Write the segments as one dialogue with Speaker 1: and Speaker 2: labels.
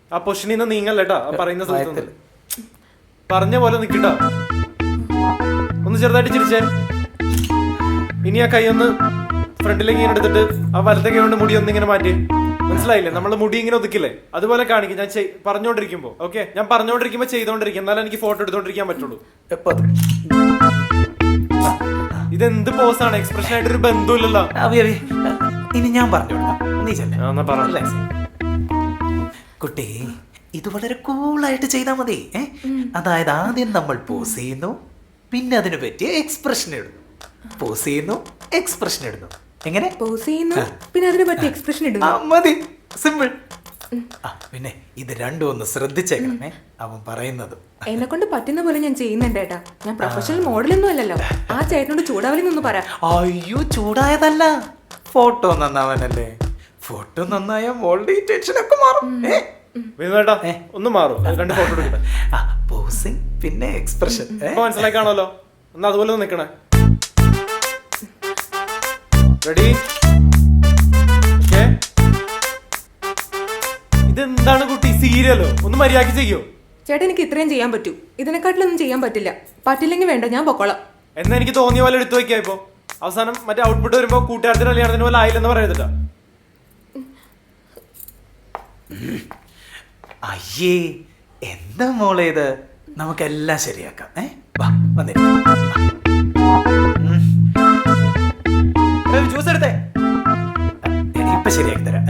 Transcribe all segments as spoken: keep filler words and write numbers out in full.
Speaker 1: ആ പൊസിഷനിൽ നിന്ന് നീങ്ങല്ലേട്ടാ പറയുന്ന സ്ഥലത്ത് പറഞ്ഞ പോലെ നിക്കട്ടാ. ഒന്ന് ചെറുതായിട്ട് ചിരിച്ചേ. ഇനി ആ കൈ ഒന്ന് ഫ്രണ്ടിലേക്ക് ഇങ്ങനെ എടുത്തിട്ട് ആ വലത്തെ കൈ കൊണ്ട് മുടി ഒന്ന് ഇങ്ങനെ മാറ്റി. മനസ്സിലായില്ലേ? നമ്മള് മുടി ഇങ്ങനെ ഒതുക്കില്ലേ, അതുപോലെ കാണിക്കും ഞാൻ പറഞ്ഞോണ്ടിരിക്കുമ്പോ. ഓക്കെ, ഞാൻ പറഞ്ഞോണ്ടിരിക്കുമ്പോ ചെയ്തോണ്ടിരിക്കും, എന്നാലും എനിക്ക് ഫോട്ടോ എടുത്തോണ്ടിരിക്കാൻ പറ്റുള്ളൂ. ഇതെന്ത് പോസാണ്? എക്സ്പ്രഷൻ ആയിട്ട് ഒരു ബന്ധമില്ലല്ലോ.
Speaker 2: ഇനി ഞാൻ പറഞ്ഞു കുട്ടി, ഇത് വളരെ കൂളായിട്ട് ചെയ്താൽ മതി. അതായത് ആദ്യം നമ്മൾ പോസ് ചെയ്യുന്നു, പിന്നെ അതിന് പറ്റിയ എക്സ്പ്രഷൻ ഇടുന്നു. പോസ് ചെയ്യുന്നു, എക്സ്പ്രഷൻ ഇടുന്നു. എങ്ങനെ?
Speaker 3: പോസ് ചെയ്യുന്നു, പിന്നെ അതിന് പറ്റിയ എക്സ്പ്രഷൻ ഇടുന്നു.
Speaker 2: മതി, സിമ്പിൾ. പിന്നെ ഇത് രണ്ടും ഒന്ന് ശ്രദ്ധിച്ചേക്കണേ അവൻ പറയുന്നത്.
Speaker 3: എന്നെ കൊണ്ട് പറ്റുന്ന പോലെ ഞാൻ ചെയ്യുന്നുണ്ട് ഏട്ടാ. ഞാൻ പ്രൊഫഷണൽ മോഡലൊന്നും അല്ലല്ലോ. ആ ചേട്ടനോട് ചൂടാവലിന്നൊന്ന് പറ.
Speaker 2: അയ്യോ, ചൂടായതല്ല, ഫോട്ടോ നന്നാവാനല്ലേ. ഫോട്ടോ നന്നായ മോളുടെ ടെൻഷൻ ഒക്കെ മാറും.
Speaker 1: ഒന്ന് മാറും, രണ്ട് ഫോട്ടോ എടുക്കട്ടെ.
Speaker 2: പോസിങ് പിന്നെ എക്സ്പ്രഷൻ
Speaker 1: മനസ്സിലായി കാണുമല്ലോ. എന്നാ അതുപോലെ നിക്കണേ. റെഡി? ഇതെന്താണ് കുട്ടി, സീരിയലോ? ഒന്ന് മര്യാദക്ക് ചെയ്യോ?
Speaker 3: ചേട്ടൻ, എനിക്ക് ഇത്രയും ചെയ്യാൻ പറ്റൂ. ഇതിനെക്കാട്ടിലൊന്നും ചെയ്യാൻ പറ്റില്ല. പറ്റില്ലെങ്കിൽ വേണ്ട, ഞാൻ പൊക്കോളാം.
Speaker 1: എന്നാ എനിക്ക് തോന്നിയ പോലെ എടുത്തു വെക്കാ. ഇപ്പൊ അവസാനം മറ്റേ ഔട്ട്പുട്ട് വരുമ്പോ കൂട്ടുകാരത്തിന് കല്യാണത്തിന് പോലെ ആയില്ലെന്ന് പറയത്തില്ല.
Speaker 2: അയ്യേ, എന്താ മോളെ ഇത്? നമുക്കെല്ലാം ശരിയാക്കാം. ഏ വാ, വന്നേ. ജ്യൂസ് എടുത്തേ, ഇപ്പൊ ശരിയാക്കി തരാം.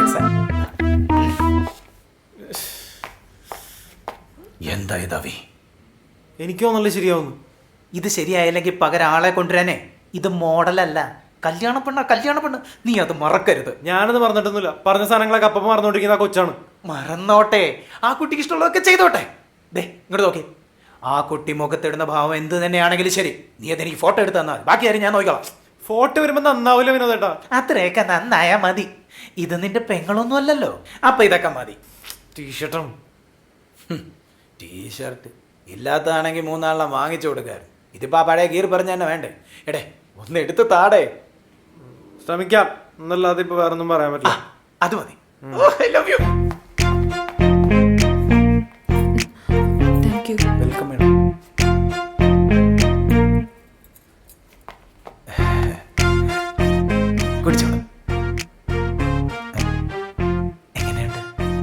Speaker 2: എന്താ ഇതവി?
Speaker 1: എനിക്കോ നല്ല ശരിയാവുന്നു.
Speaker 2: ഇത് ശരിയായില്ലെങ്കിൽ പകരം ആളെ കൊണ്ടുവരാനേ. ഇത് മോഡലല്ല, കല്യാണ പെണ്ണ കല്യാണ പെണ്ണ്. നീ അത് മറക്കരുത്.
Speaker 1: ഞാനത് മറന്നിട്ടൊന്നുമില്ല. പറഞ്ഞ സാധനങ്ങളൊക്കെ അപ്പം മറന്നോണ്ടിരിക്കുന്ന ആ കൊച്ചാണ്.
Speaker 2: മറന്നോട്ടെ, ആ കുട്ടിക്ക് ഇഷ്ടമുള്ളതൊക്കെ ചെയ്തോട്ടെ. ദേ ഇങ്ങോട്ട് നോക്കി. ആ കുട്ടി മുഖത്തിടുന്ന ഭാവം എന്ത് തന്നെയാണെങ്കിലും ശരി, നീ അതെനിക്ക് ഫോട്ടോ എടുത്ത് തന്നാൽ ബാക്കി കാര്യം ഞാൻ നോക്കിക്കോളാം.
Speaker 1: ഫോട്ടോ വരുമ്പോ നന്നാവില്ല വിനോദേട്ടാ.
Speaker 2: അത്രയൊക്കെ നന്നായാ മതി. ഇത് നിന്റെ പെങ്ങളൊന്നും അല്ലല്ലോ, അപ്പൊ ഇതൊക്കെ മതി.
Speaker 1: ടീഷർട്ടും
Speaker 2: ടീഷർട്ട് ഇല്ലാത്തതാണെങ്കിൽ മൂന്നാളെ വാങ്ങിച്ചു കൊടുക്കാറ്. ഇതിപ്പോ ആ പഴയ ഗീർ പറഞ്ഞ തന്നെ വേണ്ടേ? എടേ ഒന്ന് എടുത്ത് താടേ.
Speaker 1: ശ്രമിക്കാം എന്നല്ലാതെ ഇപ്പൊ വേറൊന്നും പറയാൻ പറ്റില്ല.
Speaker 2: അത് മതി. I love you.
Speaker 3: Thank you.
Speaker 2: Welcome madam. കുടിച്ചോളൂ. എങ്ങനെയുണ്ട്?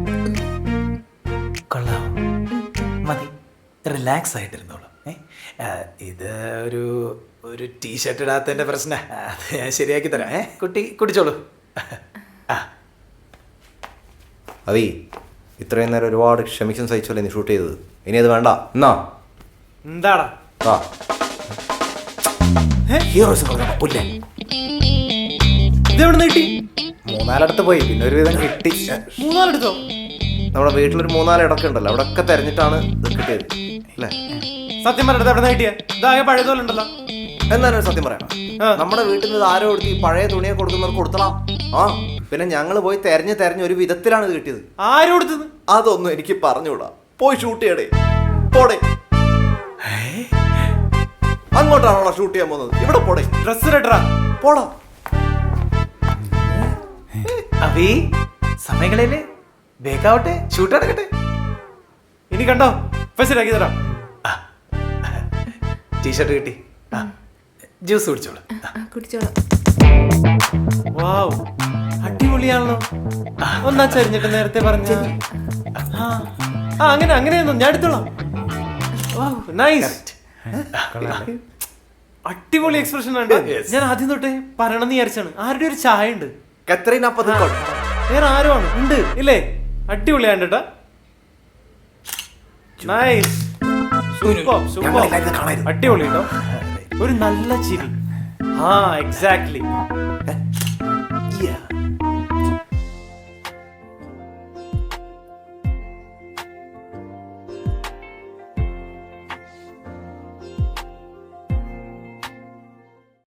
Speaker 2: കൊള്ളാം. മതി, റിലാക്സ് ആയിട്ടിരുന്നോളൂ. ഇത് ഒരു ഒരു ടീഷർട്ട് ഇടാത്തതിന്റെ പ്രശ്നം, അത് ഞാൻ ശരിയാക്കി തരാം. ഏ കുട്ടി കുടിച്ചോളൂ.
Speaker 4: അവി, ഇത്രയും നേരം ഒരുപാട് ക്ഷമിക്കും സഹിച്ചല്ലേ നീ ഷൂട്ട് ചെയ്തത്. ഇനി അത് വേണ്ട. എന്നാ
Speaker 1: എന്താടാ
Speaker 2: ഹീറോസ് പുല്ലേ?
Speaker 1: ഇതെവിടെ കിട്ടി?
Speaker 2: മൂന്നാലടുത്ത് പോയി, പിന്നെ ഒരു വിധം കിട്ടി.
Speaker 1: മൂന്നാലെടുത്തോ?
Speaker 4: നമ്മുടെ വീട്ടിലൊരു മൂന്നാല് ഇടയ്ക്ക് ഉണ്ടല്ലോ, അവിടെ ഒക്കെ തെരഞ്ഞിട്ടാണ് ഇത് കിട്ടിയത് അല്ലേ?
Speaker 1: സത്യം പറഞ്ഞത് എവിടെ കിട്ടിയ? ഇതാകെ പഴയതുപോലെ ഉണ്ടല്ലോ.
Speaker 4: എന്നാലും സത്യം പറയണം, നമ്മുടെ വീട്ടിൽ നിന്ന് ആരോ കൊടുത്ത് ഈ പഴയ തുണിയെ കൊടുക്കുന്നവർക്ക് കൊടുത്തണം. ആ പിന്നെ ഞങ്ങൾ പോയി തെരഞ്ഞ് തെരഞ്ഞ് ഒരു വിധത്തിലാണ് ഇത് കിട്ടിയത്.
Speaker 1: ആരും കൊടുത്തത്?
Speaker 4: അതൊന്നും എനിക്ക് പറഞ്ഞുകൂടാ. പോയി ഷൂട്ട് ചെയ്യടേ, പോടേ. അങ്ങോട്ടാണോ ഷൂട്ട് ചെയ്യാൻ പോകുന്നത്? ഇവിടെ പോടേ.
Speaker 1: ഡ്രസ് റെഡറാ,
Speaker 4: പോടാ.
Speaker 2: അവി സമയങ്ങളില് വേഗാവട്ടെ, ഷൂട്ട് നടക്കട്ടെ.
Speaker 1: ഇനി കണ്ടോ, ഫെസിലാക്കി തരാം.
Speaker 2: ടീഷർട്ട് കിട്ടി, ജ്യൂസ് കുടിച്ചോളൂ.
Speaker 3: കുടിച്ചോളാം.
Speaker 1: വാവ്, അടിപൊളിയാണല്ലോ. ഒന്നാ ചരിഞ്ഞിട്ട് നേരത്തെ പറഞ്ഞ. ആ അങ്ങനെ അങ്ങനെയൊന്നും ഞാൻ എടുത്തോളാം. നൈസ്, അടിപൊളി എക്സ്പ്രഷൻ ഉണ്ട്. ഞാൻ ആദ്യം തൊട്ടേ പറയണമെന്ന് വിചാരിച്ചാണ്. ആരുടെ ഒരു ചായ ഉണ്ട്, വേറെ ആരോ ആണ് ഉണ്ട് ഇല്ലേ? അടിപൊളിയാണ് കേട്ടാ. നൈസ്, സൂപ്പർ സൂപ്പർ, അടിപൊളി കേട്ടോ. ഒരു നല്ല ചിരി. ആ എക്സാക്ട്ലി.